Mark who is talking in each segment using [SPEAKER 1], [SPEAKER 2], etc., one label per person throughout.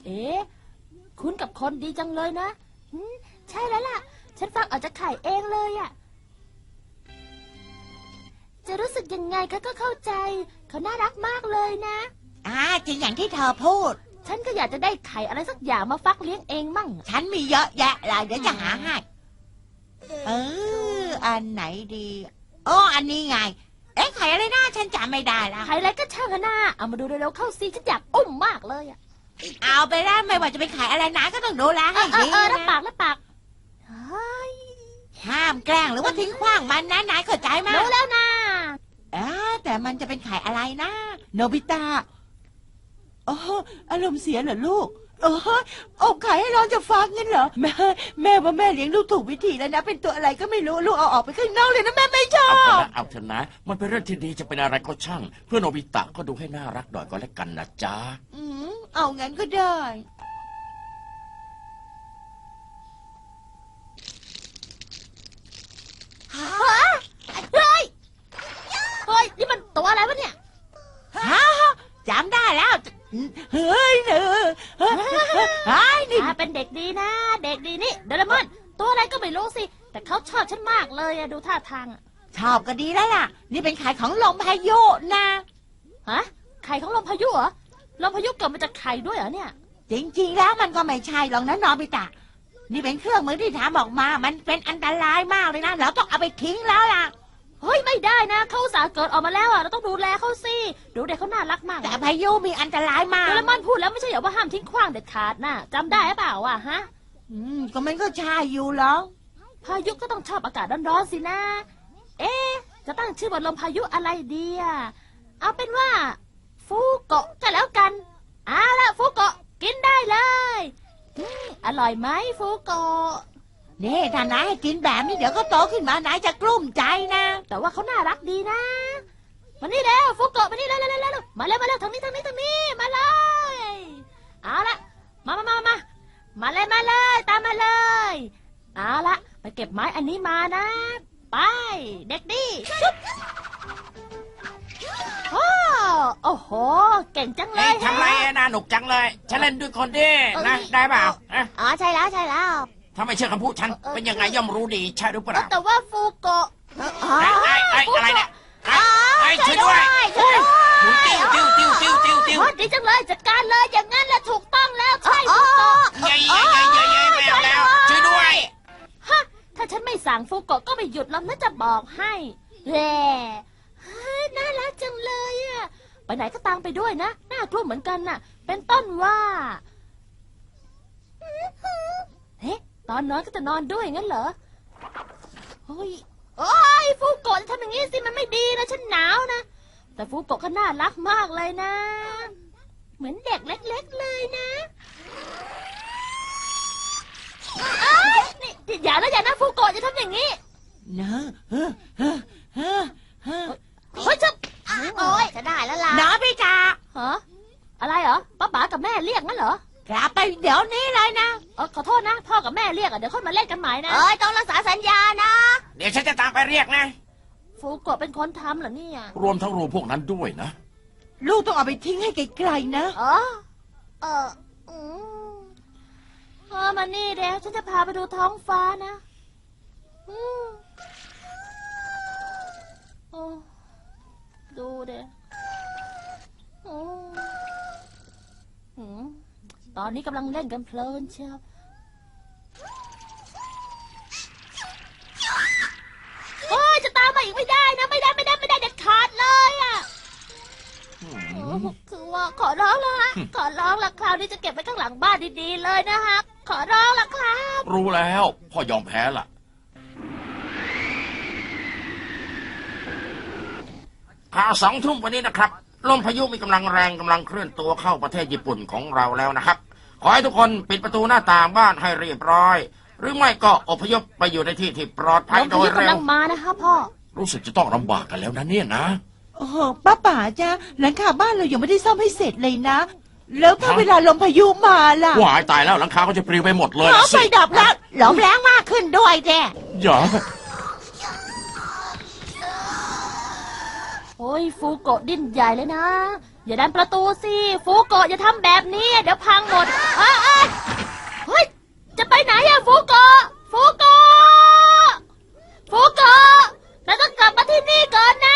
[SPEAKER 1] เอ๊ะคุณกับคนดีจังเลยนะใช่แล้วล่ะฉันฟังออกจากไข่เองเลยอะจะรู้สึกยังไงก็เข้าใจเขาน่ารักมากเลยนะ
[SPEAKER 2] จริงอย่างที่เธอพูด
[SPEAKER 1] ฉันก็อยากจะได้ไข่อะไรสักอย่างมาฟักเลี้ยงเองมั่ง
[SPEAKER 2] ฉันมีเยอะแยะเลยเดี๋ยวจะหาให้อันไหนดีอันนี้ไงไข่อะไรนะฉันจำไม่ได้แล้ว
[SPEAKER 1] ไข่อะไรก็ช่างเถอะนะเอามาดูเร็วๆเข้าสิฉันอยากอุ้มมากเลยอะ
[SPEAKER 2] เอาไปแล้วไม่ว่าจะเป็นไข่อะไรนะก็ต้องดูแลให้ดีนะ
[SPEAKER 1] รับปาก
[SPEAKER 2] ห้ามแกล้งหรือว่าทิ้งขว้างมันนะนายเข้าใจไหม
[SPEAKER 1] รู้แล้วนะ
[SPEAKER 2] แต่มันจะเป็นไข่อะไรนะโนบิตะอารมณ์เสียเหรอลูกอบไข่ให้เราจะฟักงั้นเหรอแม่ว่าแม่เลี้ยงลูกถูกวิธีแล้วนะเป็นตัวอะไรก็ไม่รู้ลูกเอาออกไปข้างนอกเลยนะแม่ไม่ชอบ
[SPEAKER 3] เอาเถอะนะมันเป็นเรื่องที่ดีจะเป็นอะไรก็ช่างเพื่อนโนบิตะก็ดูให้น่ารักหน่อยก็แล้วกันนะจ๊ะ
[SPEAKER 2] เอางั้นก็ได้
[SPEAKER 1] เฮ้ยนี่มันตัวอะไรวะเนี่ย
[SPEAKER 2] จำได้แล้วเฮ้ย
[SPEAKER 1] นี่เป็นเด็กดีนะเด็กดีนี่โดเรมอนตัวอะไรก็ไม่รู้สิแต่เขาชอบฉันมากเลยดูท่าทาง
[SPEAKER 2] ชอบก็ดีแล้วล่ะนี่เป็นไข่ของลมพายุนะ
[SPEAKER 1] ไข่ของลมพายุเหรอลมพายุเกิดมาจากไข่ด้วยเหรอเนี่ย
[SPEAKER 2] จริงๆแล้วมันก็ไม่ใช่หรอกนะนอบิตะนี่เป็นเครื่องมือที่ทำออกมามันเป็นอันตรายมากเลยนะเราต้องเอาไปทิ้งแล้วล่ะ
[SPEAKER 1] เฮ้ยไม่ได้นะเขาอุตส่าห์เกิดออกมาแล้วเราต้องดูแลเขาสิดูเด็กเขาน่ารักมาก
[SPEAKER 2] แต่พายุมีอันตรายมาก
[SPEAKER 1] โดเรมอนพูดแล้วไม่ใช่เหรอว่าห้ามทิ้งขว้างเด็ดขาดนะจำได้หรือเปล่าฮะ
[SPEAKER 2] ก็มันก็ใช่อยู่หรอก
[SPEAKER 1] พายุก็ต้องชอบอากาศร้อนๆสินะจะตั้งชื่อบทลมพายุอะไรดีเอาเป็นว่าฟูโกะก็แล้วกันเอาละฟูโกะกินได้เลยอร่อยไหมฟูโกะ
[SPEAKER 2] นี่ถ้านายให้กินแบบนี้เดี๋ยวก็โตขึ้นมานายจะกลุ้มใจนะ
[SPEAKER 1] แต่ว่าเขาน่ารักดีนะมานี่แล้วฟูโกะมานี่แล้วมาเลยทางนี้มาเลยเอาละมาเลยตามมาเลยเอาละไปเก็บไม้อันนี้มานะไปเด็กดีโอ้โหเก่งจังเลย
[SPEAKER 3] ทำไรน่าหนุกจังเลยฉันเล่นด้วยคนดินะได้เปล่า
[SPEAKER 1] ใช่แล้ว
[SPEAKER 3] ถ้าไม่เชื่อคำพูดฉันเป็นยังไงย่อมรู้ดีใช่หรือเปล่า
[SPEAKER 1] แต่ว่าฟูโกะ
[SPEAKER 3] อะไรเนี่ยช่วยด้วยติ้ว
[SPEAKER 1] ดีจังเลยจัดการเลยอย่างงั้นแหละถูกต้องแล้วใช่ฟูโกะ
[SPEAKER 3] ไม่เอาแล้วช่วยด้วย
[SPEAKER 1] ถ้าฉันไม่สั่งฟูโกะก็ไม่หยุดแล้วนะจะบอกให้แหล่น่ารักจังเลยไปไหนก็ตามไปด้วยนะน่ากลัวเหมือนกันน่ะเป็นต้นว่าตอนนอนก็จะนอนด้วยงั้นเหรอโอ้ยฟูโกะจะทำอย่างนี้สิมันไม่ดีนะฉันหนาวนะแต่ฟูโกะก็น่ารักมากเลยนะเหมือนเด็กเล็กๆเลยนะนี่อย่านะฟูโกะจะทำอย่างนี้
[SPEAKER 2] นะ
[SPEAKER 1] เฮ้ยจะได้แล้วล่ะ
[SPEAKER 2] น้าพี่จ๋า
[SPEAKER 1] อะไรเหรอป้าป๋ากับแม่เรียกงั้นเหร
[SPEAKER 2] อกลับไปเดี๋ยวนี้เลยนะ
[SPEAKER 1] ขอโทษนะพ่อกับแม่เรียกเดี๋ยวค่อยมาเล่นกันใหม่นะ
[SPEAKER 2] ต้องรักษาสัญญานะ
[SPEAKER 3] เดี๋ยวฉันจะตามไปเรียกนะ
[SPEAKER 1] ฟูโกะเป็นคนทำเหรอเนี่ย
[SPEAKER 3] รวมทั้งรูพวกนั้นด้วยนะ
[SPEAKER 2] ลูกต้องเอาไปทิ้งให้ไกลๆนะ
[SPEAKER 1] มานี่เดี๋ยวฉันจะพาไปดูท้องฟ้านะดูเดี๋ยวตอนนี้กำลังเล่นกันเพลินเชียวจะตามมาอีกไม่ได้นะไม่ได้เด็ดขาดเลยคือว่าขอร้องแล้วขอร้องละคราวนี้จะเก็บไว้ข้างหลังบ้านดีๆเลยนะฮะขอร้องละครับ
[SPEAKER 3] รู้แล้วพ่อยอมแพ้ล่ะข่าว2 ทุ่มวันนี้นะครับลมพายุมีกำลังแรงกำลังเคลื่อนตัวเข้าประเทศญี่ปุ่นของเราแล้วนะครับขอให้ทุกคนปิดประตูหน้าต่างบ้านให้เรียบร้อยหรือไม่ก็อพยพไปอยู่ในที่ที่ปลอดภัยโดยเร็ว
[SPEAKER 1] กำลังมานะคะพ่อ
[SPEAKER 3] รู้สึกจะต้องลำบากกันแล้วนะเนี่ยนะ
[SPEAKER 2] ป้าป๋าจ้าหลังคาบ้านเรายังไม่ได้ซ่อมให้เสร็จเลยนะแล้วถ้าเวลาลมพายุมาล่ะ
[SPEAKER 3] ว้ายตายแล้วหลังคาก็จะปลิวไปหมดเลย
[SPEAKER 2] ไฟดับแล้วลมแรงมากขึ้นด้วยแก
[SPEAKER 3] อย่า
[SPEAKER 1] โอ้ยฟูโกะดิ้นใหญ่เลยนะอย่าดันประตูสิฟูโกะอย่าทำแบบนี้เดี๋ยวพังหมดเฮ้ยจะไปไหนอะฟูโกะฟูโกะฟูโกะเราต้องกลับมาที่นี่ก่อนนะ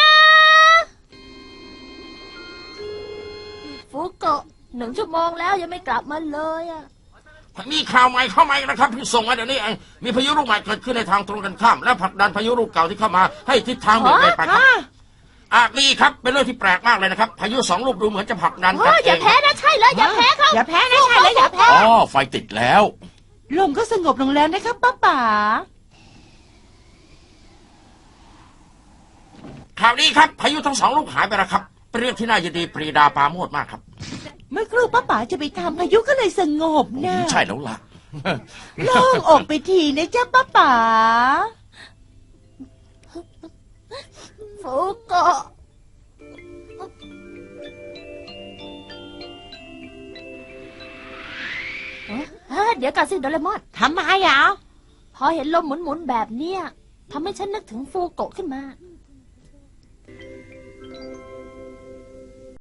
[SPEAKER 1] ฟูโกะ1 ชั่วโมงแล้วยังไม่กลับมาเลยอะ
[SPEAKER 3] มีข่าวใหม่เข้ามาอีกนะครับที่ส่งมาเดี๋ยวนี้เองมีพายุลูกใหม่เกิดขึ้นในทางตรงกันข้ามและผลักดันพายุลูกเก่าที่เข้ามาให้ทิศทางเบี่ยงเบนไปครับนี่ครับเป็นเรื่องที่แปลกมากเลยนะครับพายุ2 ลูกดูเหมือนจะผลักดันกันเอง
[SPEAKER 1] อย่าแพ้นะใช่เลยอย่าแพ้เขา
[SPEAKER 2] อย่าแพ้นะใช่แล้วอย่าแพ้
[SPEAKER 4] อ๋อไฟติดแล้ว
[SPEAKER 2] ลมก็สงบลงแล้วนะครับป้าป๋า
[SPEAKER 3] ข่าวนี้ครับพายุทั้ง2 ลูกหายไปแล้วครับเป็นเรื่องที่น่ายินดีปรีดาปราโมทย์มากครับ
[SPEAKER 2] เมื่อครู่ป้าป๋าจะไปทำพายุก็เลยสงบนะ
[SPEAKER 4] ใช่แล้วล่ะ
[SPEAKER 2] โล่งอกไปทีนะจ๊ะป้าป๋า
[SPEAKER 1] ฟูโกะเดี๋ยวก่อนสิโดเรมอน
[SPEAKER 2] ทำไมอ่ะ
[SPEAKER 1] พอเห็นลมหมุนๆแบบเนี้ยทำให้ฉันนึกถึงฟูโกะขึ้นมา